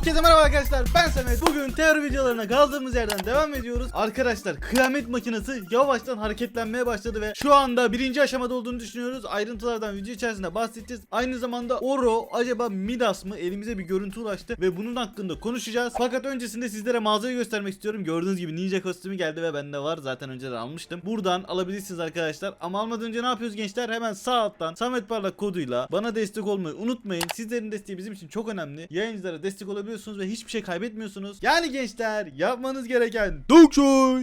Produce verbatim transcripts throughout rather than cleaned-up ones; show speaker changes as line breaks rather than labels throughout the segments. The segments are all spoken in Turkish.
Herkese merhaba arkadaşlar, ben Samet. Bugün teori videolarına kaldığımız yerden devam ediyoruz. Arkadaşlar, kıyamet makinesi yavaştan hareketlenmeye başladı ve şu anda birinci aşamada olduğunu düşünüyoruz. Ayrıntılardan video içerisinde bahsedeceğiz. Aynı zamanda Oro acaba Midas mı? Elimize bir görüntü ulaştı ve bunun hakkında konuşacağız. Fakat öncesinde sizlere mağazayı göstermek istiyorum. Gördüğünüz gibi ninja kostümü geldi ve bende var. Zaten önceden almıştım. Buradan alabilirsiniz arkadaşlar. Ama almadan önce ne yapıyoruz gençler? Hemen sağ alttan Samet Parlak koduyla bana destek olmayı unutmayın. Sizlerin desteği bizim için çok önemli. Yayıncılara destek olabiliyorsunuz ve hiçbir şey kaybetmiyorsunuz. Yani gençler, yapmanız gereken dokşoy.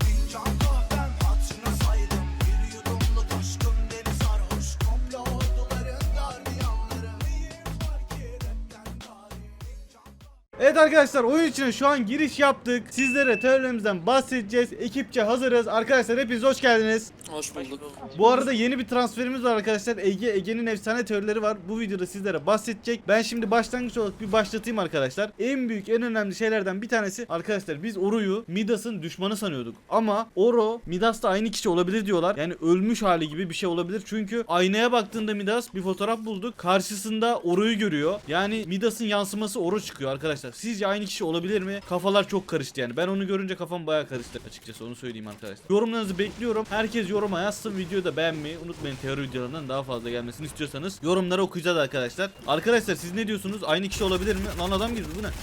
Evet arkadaşlar, oyun içine şu an giriş yaptık. Sizlere teorilerimizden bahsedeceğiz. Ekipçe hazırız. Arkadaşlar hepiniz hoş geldiniz.
Hoş bulduk.
Bu arada yeni bir transferimiz var arkadaşlar. Ege, Ege'nin efsane teorileri var. Bu videoda sizlere bahsedecek. Ben şimdi başlangıç olarak bir başlatayım arkadaşlar. En büyük, en önemli şeylerden bir tanesi arkadaşlar, biz Oro'yu Midas'ın düşmanı sanıyorduk. Ama Oro Midas'la aynı kişi olabilir diyorlar. Yani ölmüş hali gibi bir şey olabilir. Çünkü aynaya baktığında Midas bir fotoğraf bulduk. Karşısında Oro'yu görüyor. Yani Midas'ın yansıması Oro çıkıyor arkadaşlar. Sizce aynı kişi olabilir mi? Kafalar çok karıştı yani. Ben onu görünce kafam bayağı karıştı açıkçası, onu söyleyeyim arkadaşlar. Yorumlarınızı bekliyorum. Herkes yoruma yazsın. Videoyu da beğenmeyi unutmayın. Teori videolarından daha fazla gelmesini istiyorsanız yorumları okuyacağız arkadaşlar. Arkadaşlar siz ne diyorsunuz? Aynı kişi olabilir mi? Lan adam girdi, bu ne?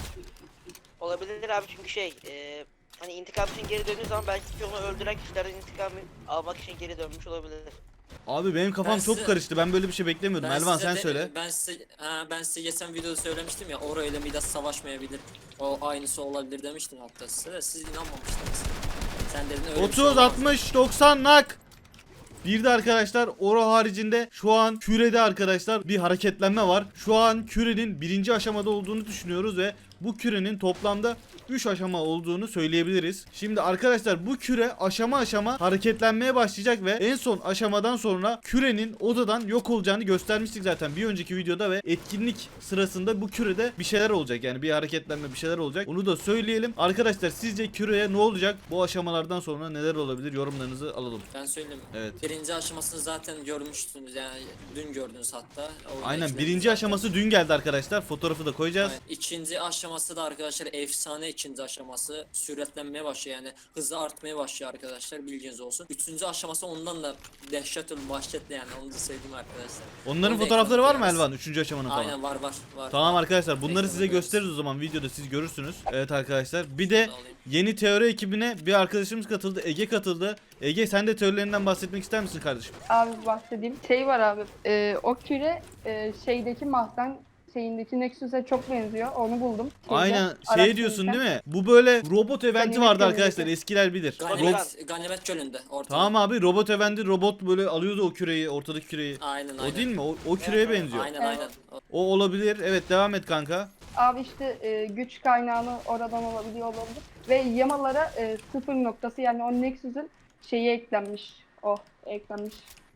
Olabilir abi, çünkü şey e, hani intikam için geri döndüğü zaman belki onu öldüren kişilerden intikamı almak için geri dönmüş olabilir.
Abi benim kafam
Ben
çok
size-
karıştı. Ben böyle bir şey beklemiyordum.
Ben
Elvan
size
sen
de-
söyle.
Ben size, ha, ben size geçen videoda söylemiştim ya, Oro ile Midas savaşmayabilir. O aynısı olabilir demiştim hatta size de, siz inanmamıştınız. Sen dedin öyle bir şey
otuz,
olmaz.
altmış, doksan nak. Bir de arkadaşlar Oro haricinde şu an kürede arkadaşlar bir hareketlenme var. Şu an kürenin birinci aşamada olduğunu düşünüyoruz ve bu kürenin toplamda üç aşama olduğunu söyleyebiliriz. Şimdi arkadaşlar bu küre aşama aşama hareketlenmeye başlayacak ve en son aşamadan sonra kürenin odadan yok olacağını göstermiştik zaten bir önceki videoda ve etkinlik sırasında bu kürede bir şeyler olacak, yani bir hareketlenme, bir şeyler olacak. Onu da söyleyelim. Arkadaşlar sizce küreye ne olacak? Bu aşamalardan sonra neler olabilir? Yorumlarınızı alalım.
Ben söyleyeyim mi?
Evet.
Birinci aşamasını zaten görmüştünüz yani, dün gördünüz hatta. Orada
Aynen,
içinde
birinci
zaten.
aşaması dün geldi arkadaşlar. Fotoğrafı da koyacağız.
Aynen. İkinci aşaması da arkadaşlar efsane, ikinci aşaması süratlenmeye başlıyor, yani hızı artmaya başlıyor arkadaşlar, bilginiz olsun. Üçüncü aşaması ondan da dehşetül vahşetli, yani onu da söyleyeyim arkadaşlar.
Onların
Onu da
fotoğrafları var mı
ekranı
Elvan? Üçüncü aşamanın falan.
Aynen, var var var.
Tamam arkadaşlar, bunları
Ekranı
size
koyarız.
gösteririz o zaman videoda, siz görürsünüz. Evet arkadaşlar, bir de
Şunu alayım.
yeni teori ekibine bir arkadaşımız katıldı. Ege katıldı. Ege, sen de teorilerinden bahsetmek ister misin kardeşim?
Abi bahsedeyim. Şey var abi. E, o küre e, şeydeki mahzen şeyindeki Nexus'e çok benziyor. Onu buldum. Şeyde,
Aynen şey
araştırırken.
diyorsun değil mi? Bu böyle robot eventi
Ganimet
vardı
Gölü'ndeki.
arkadaşlar, eskiler bilir. Ro-
Ganimet, Ganimet Gölü'nde ortada.
Tamam abi, robot eventi, robot böyle alıyordu o küreyi, ortadaki küreyi.
Aynen aynen.
O değil mi? O, o küreye
Evet,
benziyor.
Aynen
Evet.
aynen. O-
O olabilir. Evet, devam et kanka.
Abi işte e, güç kaynağını oradan olabiliyor olabilir. Ve yamalara e, sıfır noktası, yani o Nexus'un şeyi eklenmiş. O eklenmiş.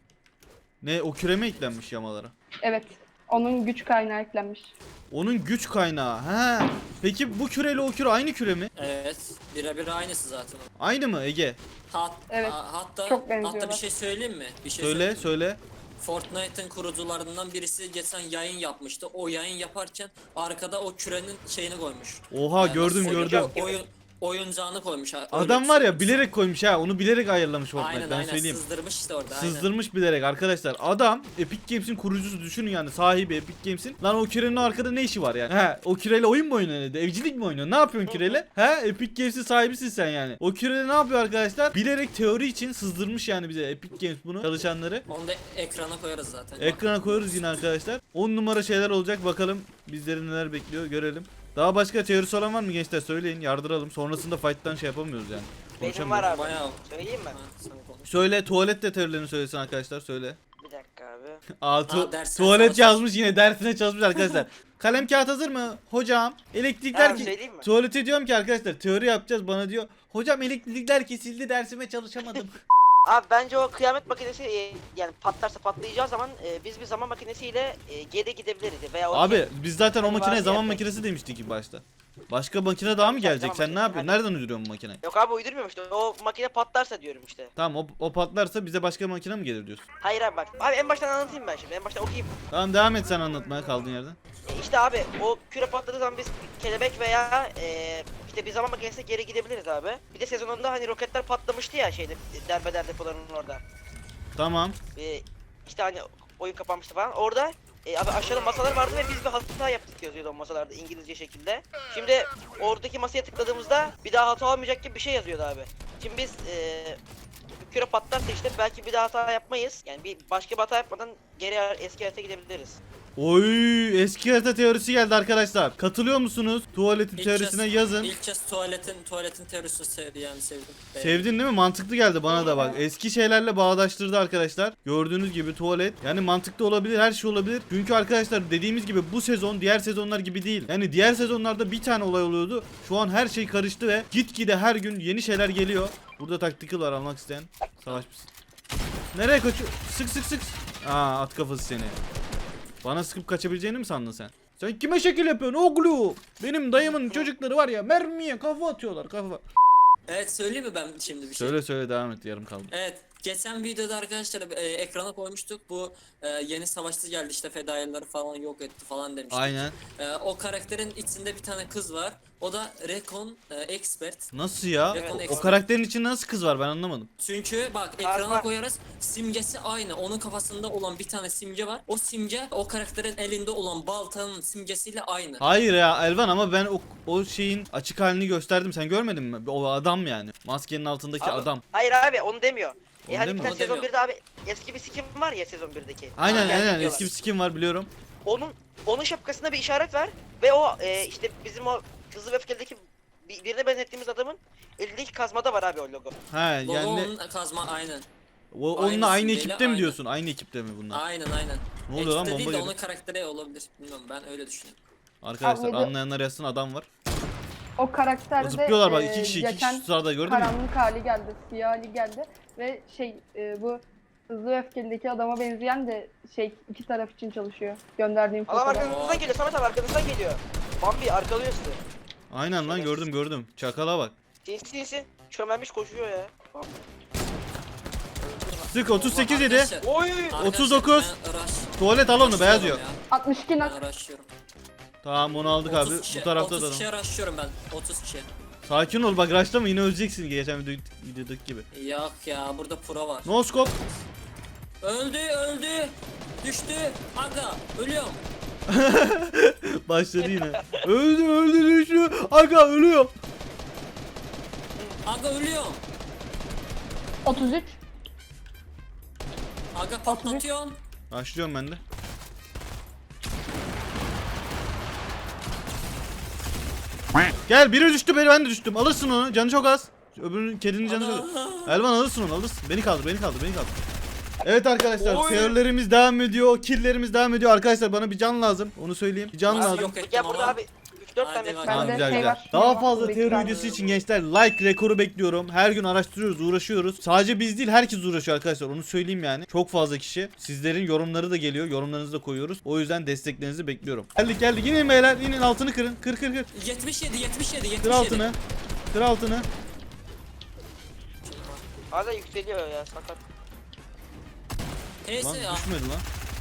Ne, o küre mi eklenmiş yamalara?
Evet. Onun güç kaynağı eklenmiş.
Onun güç kaynağı. He. Peki bu küreyle o küre aynı küre mi?
Evet. Birebir aynısı zaten.
Aynı mı Ege?
Hat,
Evet,
a- hatta
çok
hatta
benziyorlar.
bir şey söyleyeyim mi? Bir şey
Söyle
söyleyeyim.
söyle.
Fortnite'ın kurucularından birisi geçen yayın yapmıştı. O yayın yaparken arkada o kürenin şeyini koymuş.
Oha,
Yani
gördüm
nasıl-
gördüm.
Oyun, oyuncağını koymuş. ha- öyle
Adam
bir
var
şey.
ya, bilerek koymuş ha. Onu bilerek ayarlamış Fortnite,
Aynen
ben
aynen,
söyleyeyim.
sızdırmış işte orada. Aynen.
Sızdırmış bilerek arkadaşlar. Adam Epic Games'in kurucusu, düşünün yani, sahibi Epic Games'in. Lan o kürenin arkada ne işi var yani? He, o küreyle oyun mu oynuyor? Evcilik mi oynuyor? Ne yapıyorsun küreyle? He, Epic Games'in sahibisin sen yani. O küreyle ne yapıyor arkadaşlar? Bilerek teori için sızdırmış yani bize Epic Games bunu, çalışanları.
Onu da ekrana koyarız zaten.
Ekrana koyarız yine arkadaşlar. on numara şeyler olacak, bakalım bizleri neler bekliyor, görelim. Daha başka teorisi olan var mı gençler, söyleyin, yardıralım. Sonrasında fight'tan şey yapamıyoruz yani.
Benim var abi.
Bayağı.
Söyleyeyim mi?
Ha, sen konuş.
Söyle, tuvalet de teorilerini söylesin arkadaşlar, söyle.
Bir dakika abi.
Aa, tu-
Aa, dersine
tuvalet
çalışmış.
yazmış, yine dersine çalışmış arkadaşlar. Kalem kağıt hazır mı? Hocam elektrikler
Abi
ki
söyleyeyim mi?
tuvalete diyorum ki arkadaşlar teori yapacağız, bana diyor hocam elektrikler kesildi, dersime çalışamadım.
Abi bence o kıyamet makinesi e, yani patlarsa patlayacağı zaman e, biz bir zaman makinesiyle e, geri gidebiliriz veya o
Abi biz zaten o
Hani
makineye
var
zaman
ya-
makinesi demiştik ilk başta. Başka makine daha mı gelecek?
Tamam,
Sen ne
tamam.
yapıyorsun? Nereden uyduruyorsun bu makineyi?
Yok abi uydurmuyorum işte. O makine patlarsa diyorum işte.
Tamam o, o patlarsa bize başka makine mi gelir diyorsun?
Hayır abi bak. Abi en baştan anlatayım ben şimdi. En baştan okuyayım.
Tamam devam et sen anlatmaya kaldığın yerden.
E, İşte abi o küre patladığı zaman biz kelebek veya e, işte bir zaman makinesine geri gidebiliriz abi. Bir de sezonunda hani roketler patlamıştı ya şeyde derbeder depolarının orada.
Tamam.
E, işte hani oyun kapanmıştı falan. Orada e, abi aşağıda masalar vardı ve biz bir hata yaptık yazıyordu o masalarda İngilizce şekilde. Şimdi oradaki masaya tıkladığımızda bir daha hata olmayacak gibi bir şey yazıyordu abi. Şimdi biz e, küre patlarsa işte belki bir daha hata yapmayız. Yani bir başka bir hata yapmadan geri eski hayata gidebiliriz.
Oy eski harita teorisi geldi arkadaşlar. Katılıyor musunuz? Tuvaletin
İlk
teorisine
kez-
yazın.
İlk kez tuvaletin tuvaletin teorisini sevdi yani sevdim.
Sevdin değil mi? Mantıklı geldi bana da bak. Eski şeylerle bağdaştırdı arkadaşlar. Gördüğünüz gibi tuvalet. Yani mantıklı olabilir, her şey olabilir. Çünkü arkadaşlar dediğimiz gibi bu sezon diğer sezonlar gibi değil. Yani diğer sezonlarda bir tane olay oluyordu. Şu an her şey karıştı ve gitgide her gün yeni şeyler geliyor. Burada tactical var almak isteyen. Savaş mısın? Nereye kaçıyor? Sık sık sık. Aa at kafası seni. Bana sıkıp kaçabileceğini mi sandın sen? Sen kime şekil yapıyorsun oğlum? Benim dayımın çocukları var ya mermiye kafa atıyorlar kafa.
Evet söyleyeyim mi ben şimdi bir şey?
Söyle söyle devam et yarım kaldı.
Evet. Geçen videoda arkadaşlar e, ekrana koymuştuk. Bu e, yeni savaşçı geldi işte fedaileri falan yok etti falan demiştik.
Aynen.
E, o karakterin içinde bir tane kız var. O da Recon e, Expert.
Nasıl ya?
Evet,
O, o
expert.
karakterin içinde nasıl kız var ben anlamadım.
Çünkü bak
Var,
ekrana
var.
koyarız. Simgesi aynı. Onun kafasında olan bir tane simge var. O simge o karakterin elinde olan baltanın simgesiyle aynı.
Hayır ya Elvan ama ben o, o şeyin açık halini gösterdim sen görmedin mi? O adam yani. Maskenin altındaki
Abi,
adam.
Hayır abi onu demiyor.
Onu
E hani bir
demiyor.
tane
Onu
sezon
demiyor.
birde abi eski bir skin var ya sezon birdeki.
Aynen
Geldi
aynen
diyorlar.
eski bir skin var biliyorum.
Onun onun şapkasında bir işaret var ve o e, işte bizim o Hızlı ve Öfkeli'deki bir- birine benzettiğimiz adamın elindeki kazmada var abi o logo.
He
Logo
yani
onun kazma aynen.
o, onunla
aynı
aynı
simgeyle
ekipte mi
aynı.
diyorsun? Aynı ekipte mi bunlar?
Aynen aynen.
Ne oluyor lan
Ekipte
bomba
değil de
gibi.
onun karakteri olabilir. Bilmiyorum ben öyle düşünüyorum.
Arkadaşlar
Abi,
anlayanlar yazsın adam var.
O karakterde
Zıplıyorlar bak
e,
iki kişi iki
geçen
kişi sırada gördün mü?
karanlık hali geldi, siyah hali geldi ve şey e, bu Hızlı ve Öfkeli'deki adama benzeyen de şey iki taraf için çalışıyor. Gönderdiğim
Adam
fotoğraf.
arkanızdan geliyor Samet abi arkanızdan geliyor. Bambi arkalıyor sizi.
Aynen lan gördüm gördüm. Çakala bak.
Sinsi sinsi çömelmiş koşuyor ya.
Sık otuz sekiz yedi.
Arkadaşlar-
Oy!
arkadaşlar
otuz dokuz.
ben rush-
Tuvalet al onu beyaz yok.
rushlıyorum ya.
altmış iki nak.
Ben rushlıyorum.
Tamam onu aldık abi.
otuz kişi,
Bu tarafta da
otuz
adam.
kişiye rushlıyorum ben. otuz kişi.
Sakin ol bak rushlama yine öleceksin geçen video, videodaki gibi.
Yok ya burada pro var.
No scope.
Öldü öldü. Düştü. Aga ölüyorum.
Başladı yine. öldü öldü düştü. Aga ölüyor.
Aga ölüyorum.
otuz üç.
Aga patlatıyorum.
Başlıyorum ben de. Gel biri düştü beni ben de düştüm. Alırsın onu. Canı çok az. Öbürünün kedinin canı çok az. Elvan alırsın onu alırsın. Beni kaldır beni kaldır beni kaldır. Evet arkadaşlar
Oy.
teorilerimiz devam ediyor. Killlerimiz devam ediyor. Arkadaşlar bana bir can lazım. Onu söyleyeyim. Bir can
Nasıl
lazım.
yok ettim
Ya burada
ama.
abi üç dört
Hadi
tane
bakalım.
Tamam
Bende
güzel
şey
güzel.
var,
Daha
şey
fazla
var,
teori
bekler.
videosu için gençler like rekoru bekliyorum. Her gün araştırıyoruz, uğraşıyoruz. Sadece biz değil herkes uğraşıyor arkadaşlar. Onu söyleyeyim yani. Çok fazla kişi. Sizlerin yorumları da geliyor. Yorumlarınızı da koyuyoruz. O yüzden desteklerinizi bekliyorum. Geldik geldik. Yine beyler. Yine altını kırın. Kır kır kır.
yetmiş yedi yetmiş yedi yetmiş
Kır
yedi.
altını. Kır altını.
hala yükseliyor ya sakat.
Neyse
Lan
ya.
düşmedi lan.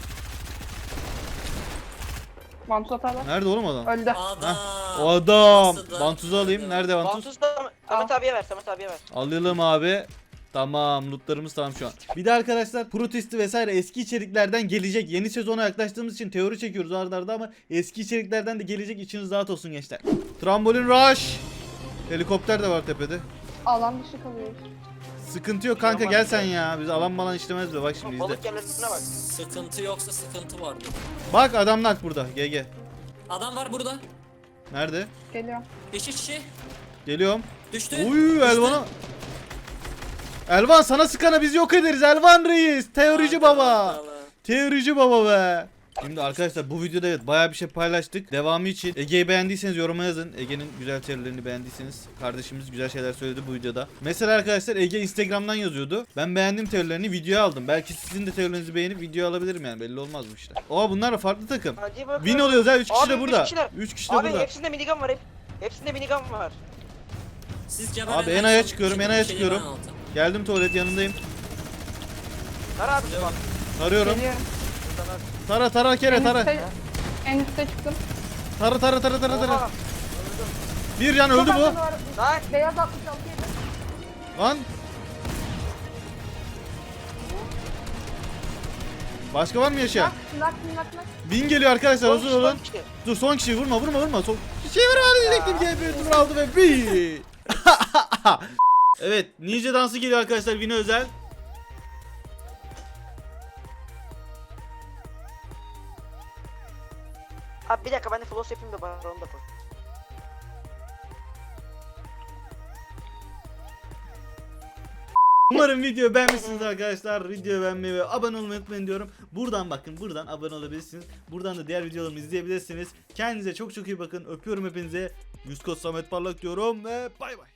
Vantuz atarlar.
Nerede oğlum adam?
Öldü.
Adam.
O adam.
Nasıl da-
Vantuzu alayım. Nerede vantuz?
Vantuz da Samet abiye ver Samet abiye ver.
Alalım abi. Tamam lootlarımız tamam şu an. Bir de arkadaşlar protesti vesaire eski içeriklerden gelecek. Yeni sezona yaklaştığımız için teori çekiyoruz arda arda ama eski içeriklerden de gelecek, içiniz rahat olsun gençler. Trambolin rush. Helikopter de var tepede.
Alan dışı kalıyoruz.
Sıkıntı yok kanka gel sen ya. Biz alan malan işlemez be bak şimdi izle.
Balık yerlerine bak.
Sıkıntı yoksa sıkıntı vardı.
Bak adamlar burada. G G.
Adam var burada.
Nerede?
Geliyor.
İki kişi.
Geliyorum.
Düştü.
Uy
Düştü.
Elvan'a. Elvan sana sıkana biz yok ederiz Elvan reis. Teorici
Hadi
baba.
bakalım.
Teorici baba be. Şimdi arkadaşlar bu videoda evet bayağı bir şey paylaştık. Devamı için Ege'yi beğendiyseniz yoruma yazın. Ege'nin güzel teorilerini beğendiyseniz. Kardeşimiz güzel şeyler söyledi bu videoda. Mesela arkadaşlar Ege Instagram'dan yazıyordu. Ben beğendim teorilerini videoya aldım. Belki sizin de teorilerinizi beğenip video alabilirim yani belli olmaz bu işler. Oha bunlar da farklı takım.
Hadi bakalım.
Win oluyoruz ha üç kişi
Abi,
de
üç
burada.
kişiler.
üç kişi de
Abi
burada.
hepsinde minigun var hep. Hepsinde minigun var.
Siz
Abi, en aya çıkıyorum, en aya çıkıyorum. Geldim, tuvalet yanındayım.
Kara abi bak.
Tarıyorum.
Geliyorum.
Tara tara kere
En
tara.
üstte, en üstte çıktım.
Tara tara tara tara tara.
Oha.
Bir can öldü
Çok
bu.
az var.
Lan.
Beyaz altmış altı yedi.
Lan. Başka var mı yaşayan?
Nak nak nak nak.
Bin geliyor arkadaşlar,
Son
hazır
kişi,
olun.
son kişi.
Dur, son kişiyi vurma vurma vurma. Son kişiyi vurma diyecektim. G P tur aldı ve bir. Evet, ninja dansı geliyor arkadaşlar, Vini özel.
Abi bir dakika ben de floss yapayım da bana onu da koy.
Umarım video beğenmişsiniz arkadaşlar. Videoyu beğenmeyi ve abone olmayı unutmayın diyorum. Buradan bakın, buradan abone olabilirsiniz. Buradan da diğer videolarımı izleyebilirsiniz. Kendinize çok çok iyi bakın. Öpüyorum hepinize. Yüz Samet Parlak diyorum ve bay bay.